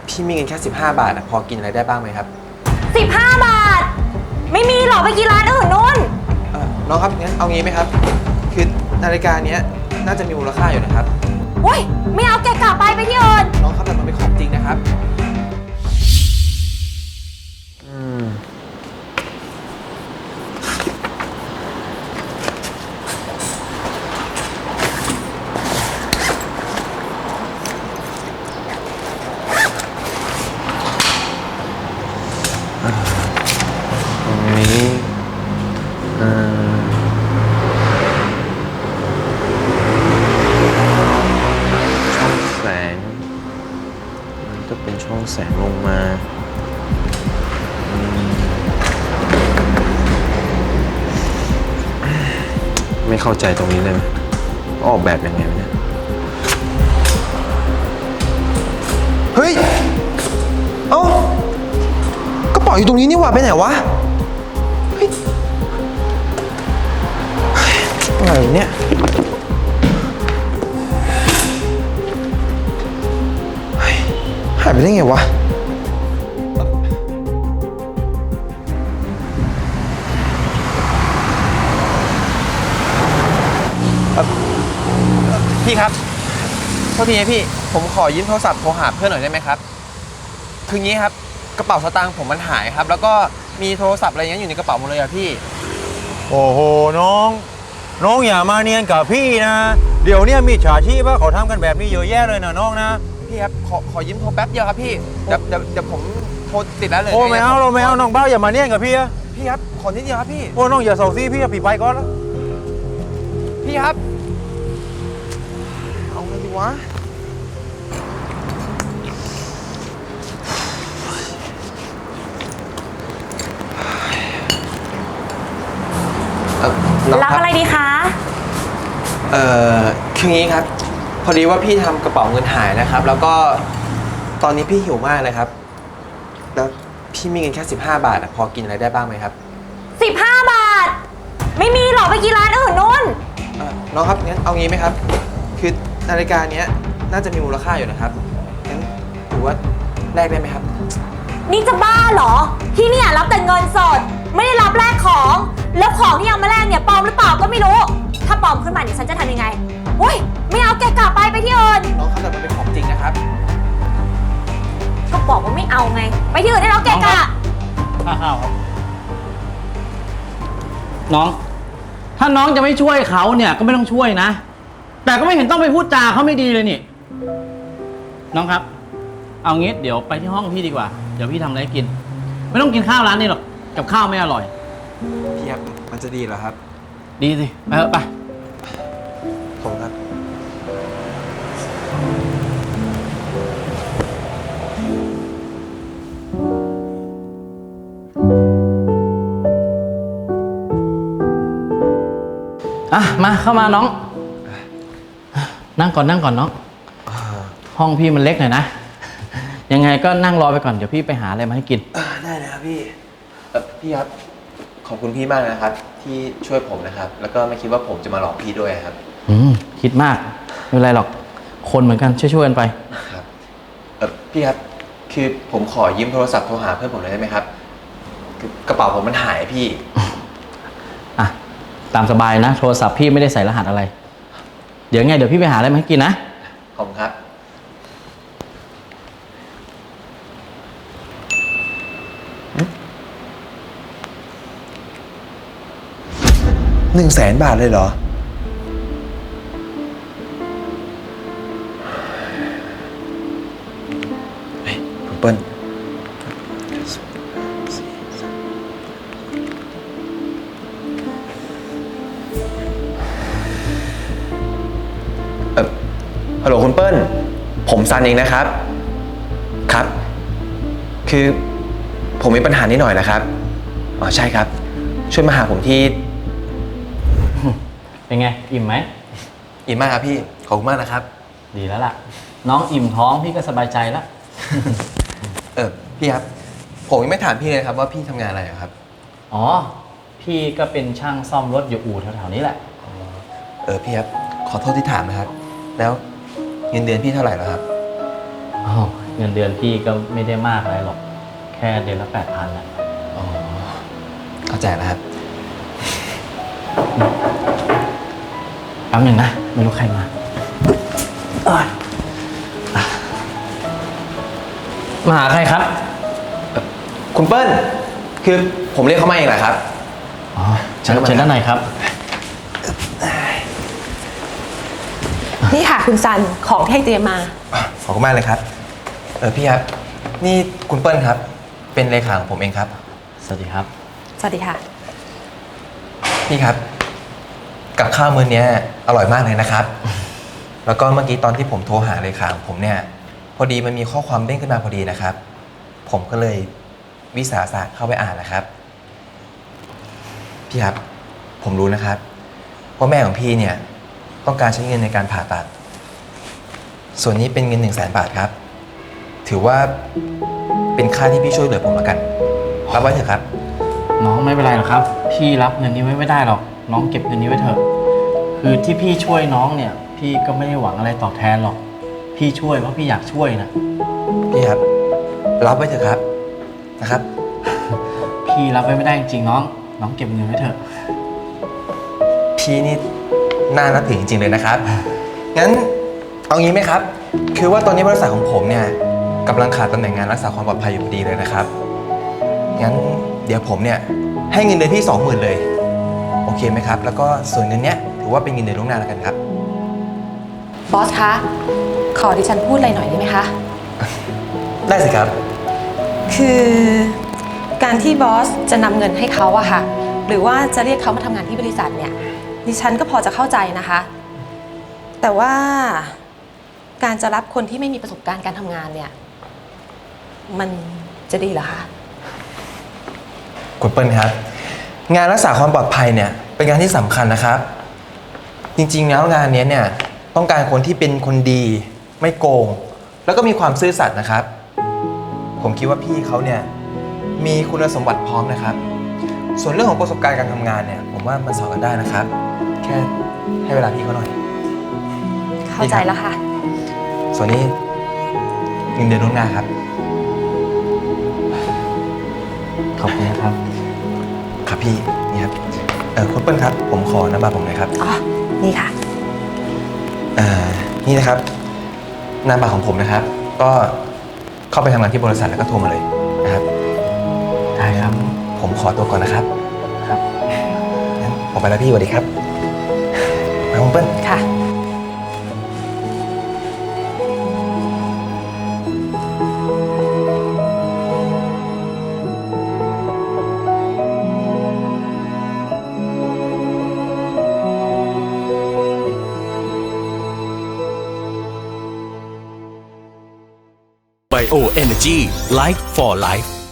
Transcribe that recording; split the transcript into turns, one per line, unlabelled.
พี่มีเงินแค่15 บาทพอกินอะไรได้บ้างไหมครับ
15 บาทไม่มีหรอกไปกินร้านอื่นนู่น
น้องครับงั้นเอางี้ไหมครับคือนาฬิกาเนี้ยน่าจะมีมูลค่าอยู่นะครับ
โอ้ยไม่เอาแกกลับไปที่อื่น
น้องครับแต่มันเป็นของจริงนะครับตรงนี้ช่องแสงมันก็เป็นช่องแสงลงมาไม่เข้าใจตรงนี้เลยออกแบบยังไงเนี่ยเฮ้ยเอ้ากระเป๋าอยู่ตรงนี้นี่หว่าไปไหนวะเฮ้ยอะไรเนี่ยหายไปได้ไงวะพี่ครับโทษทีนะพี่ผมขอยืมโทรศัพท์โทรหาเพื่อนหน่อยได้ไหมครับคืองี้ครับกระเป๋าสตางค์ผมมันหายครับแล้วก็มีโทรศัพท์อะไรเงี้ยอยู่ในกระเป๋าหมดเลยอะพี่
โอ้โหน้องอย่ามาเนียนกับพี่นะเดี๋ยวนี้มีฉาชีพว่าเขาทำกันแบบนี้เยอะแยะเลยนะน้องนะ
พี่ครับขอยืมโทรแป๊บเดียวครับพี่เดี๋ยวผมโทรติดแล้วเลย
โอ้ไม่เอาน้องเบ้าอย่ามาเนียนกับพี่อะ
พี่ครับขอนิดเดียวครับพี่
โอ้น้องอย่าเศร้าซีพี่ไปก่อนแล้ว
พี่ครับเอาไงดีวะ
รับอะไรดีคะ
คืองี้ครับพอดีว่าพี่ทำกระเป๋าเงินหายนะครับแล้วก็ตอนนี้พี่หิวมากเลยครับแล้วพี่มีเงินแค่15 บาทพอกินอะไรได้บ้างไหมครับ
15 บาทไม่มีหรอกไปกินร้านอื่นนู่น
น้องครับงั้นเอางี้ไหมครับคือนาฬิกาเนี้ยน่าจะมีมูลค่าอยู่นะครับงั้นถือว่าแลกได้ไหมครับ
นี่จะบ้าเหรอที่เนี่ยรับแต่เงินสดไม่ได้รับแลกของแล้วของที่เอามาแลกเนี่ยปลอมหรือเปล่าก็ไม่รู้ถ้าปลอมขึ้นมาเนี่ยฉันจะทำยังไงโอ้ยไม่เอาแกกลับไปที่อื่น
น้องครับแต่มันเป็นของจริงนะครับ
ก็บอกว่าไม่เอาไงไปที่อื่นได้แล้วแกกะ
อ้าวน้องถ้าน้องจะไม่ช่วยเขาเนี่ยก็ไม่ต้องช่วยนะแต่ก็ไม่เห็นต้องไปพูดจาเขาไม่ดีเลยนี่น้องครับเอางี้เดี๋ยวไปที่ห้องพี่ดีกว่าเดี๋ยวพี่ทำอะไรกินไม่ต้องกินข้าวร้านนี้หรอกกับข้าวไม่อร่อย
พี่ครับมันจะดีเหรอครับ
ดีสิไปเถอะไป
ผมครับ
มาเข้ามาน้องนั่งก่อนน้องห้องพี่มันเล็กหน่อยนะยังไงก็นั่งรอไปก่อนเดี๋ยวพี่ไปหาอะไรมาให้กิน
ได้เลยครับพี่พี่ครับขอบคุณพี่มากนะครับที่ช่วยผมนะครับแล้วก็ไม่คิดว่าผมจะมาหลอกพี่ด้วยครับ
คิดมากไม่เป็นไรหรอกคนเหมือนกันช่วยกันไป
ครับพี่ครับคือผมขอยืมโทรศัพท์โทรหาเพื่อนผมหน่อยได้ไหมครับกระเป๋าผมมันหายพี่
ตามสบายนะโทรศัพท์พี่ไม่ได้ใส่รหัสอะไรเดี๋ยวพี่ไปหาอะไรมาให้กินนะ
ขอบคุณครับ100,000 บาทเลยเหรอเฮ้ยคุณเปิ้ลฮัลโหลคุณเปิ้ลผมซันเองนะครับครับคือผมมีปัญหานิดหน่อยนะครับอ๋อใช่ครับช่วยมาหาผมที่
เป็นไงอิ่มไหม
อิ่มมากครับพี่ขอบคุณมากนะครับ
ดีแล้วล่ะน้องอิ่มท้องพี่ก็สบายใจแล้ว
พี่ครับผมยังไม่ถามพี่เลยครับว่าพี่ทำงานอะไรครับ
อ๋อพี่ก็เป็นช่างซ่อมรถอยู่อู่แถวๆนี้แหละ
พี่ครับขอโทษที่ถามนะครับแล้วเงินเดือนพี่เท่าไหร่แล้วครับ
อ๋อเงินเดือนพี่ก็ไม่ได้มากอะไรหรอก แค่เดือนละ8,000แหละ
อ๋อ เข้าใจแล้วครับ
แป๊บหนึ่งนะ ไม่รู้ใครมามาหาใครครับ
คุณเปิ้ล คือผมเรียกเขามาเองแหละครับ
อ๋อเชิญด้านในครับ
นี่ค่ะคุณซันของที่ให้เตรียมมา
ขอบคุณมากเลยครับ พี่ครับ นี่คุณเปิ้ลครับ เป็นเลขาของผมเองครับ
สวัสดีครับ
สวัสดีค่ะ
พี่ครับ กับข้าวมื้อนี้อร่อยมากเลยนะครับ แล้วก็เมื่อกี้ตอนที่ผมโทรหาเลขาของผมเนี่ย พอดีมันมีข้อความเด้งขึ้นมาพอดีนะครับ ผมก็เลยวิสาสะเข้าไปอ่านนะครับ พี่ครับ ผมรู้นะครับว่าแม่ของพี่เนี่ยต้องการใช้เงินในการผ่าตัด ส่วนนี้เป็นเงิน100,000 บาทครับ ถือว่าเป็นค่าที่พี่ช่วยเหลือผมแล้วกันรับไว้เถอะครับ
น้องไม่เป็นไรหรอกครับ พี่รับเงินนี้ไว้ไม่ได้หรอก น้องเก็บเงินนี้ไว้เถอะ คือที่พี่ช่วยน้องเนี่ย พี่ก็ไม่ได้หวังอะไรตอบแทนหรอก พี่ช่วยเพราะพี่อยากช่วยนะ
พี่ครับ รับไว้เถอะครับนะครับ
พี่รับไว้ไม่ได้จริงๆน้อง น้องเก็บเงินไว้เถอะ
พี่นี่น่านับถือจริงๆเลยนะครับ งั้นเอางี้ไหมครับ คือว่าตอนนี้บริษัทของผมเนี่ยกำลังขาดตำแหน่งงานรักษาความปลอดภัยอยู่พอดีเลยนะครับ งั้นเดี๋ยวผมเนี่ยให้เงินเดือนพี่20,000เลย โอเคไหมครับ แล้วก็ส่วนเงินเนี้ยถือว่าเป็นเงินเดือนล่วงหน้าแล้วกันครับ
บอสคะ ขอดิฉันพูดอะไรหน่อยได้ไหมคะ
ได้สิครับ
คือการที่บอสจะนำเงินให้เขาอะค่ะ หรือว่าจะเรียกเขามาทำงานที่บริษัทเนี่ย ดิฉันก็พอจะเข้าใจนะคะ แต่ว่าการจะรับคนที่ไม่มีประสบการณ์การทำงานเนี่ย มันจะดีเหรอคะ
คุณเปิ้ลครับ งานรักษาความปลอดภัยเนี่ยเป็นงานที่สำคัญนะครับ จริงๆแล้วงานนี้เนี่ยต้องการคนที่เป็นคนดีไม่โกง แล้วก็มีความซื่อสัตย์นะครับ ผมคิดว่าพี่เขาเนี่ยมีคุณสมบัติพร้อมนะครับ ส่วนเรื่องของประสบการณ์การทำงานเนี่ยผมว่ามันสอนกันได้นะครับ แค่ให้เวลาพี่เขาหน่อย
เข้าใจแล้วค่ะ
ส่วนนี้เงินเดือนล่วงหน้าครับ
ขอบคุณนะครับ
ครับพี่นี่ครับคุณเปิ้ลครับผมขอนามบัตรผมหน่อยครับ
อ๋อ นี่ค่ะ
นี่นะครับนามบัตรของผมนะครับ ก็เข้าไปทำงานที่บริษัทแล้วก็โทรมาเลยนะครับ
ได้ครับ
ผมขอตัวก่อนนะครับ
ครับ
งั้นผมไปแล้วพี่สวัสดีครับมาคุณเปิ้ล
ค่ะ
Bio Energy Life for Life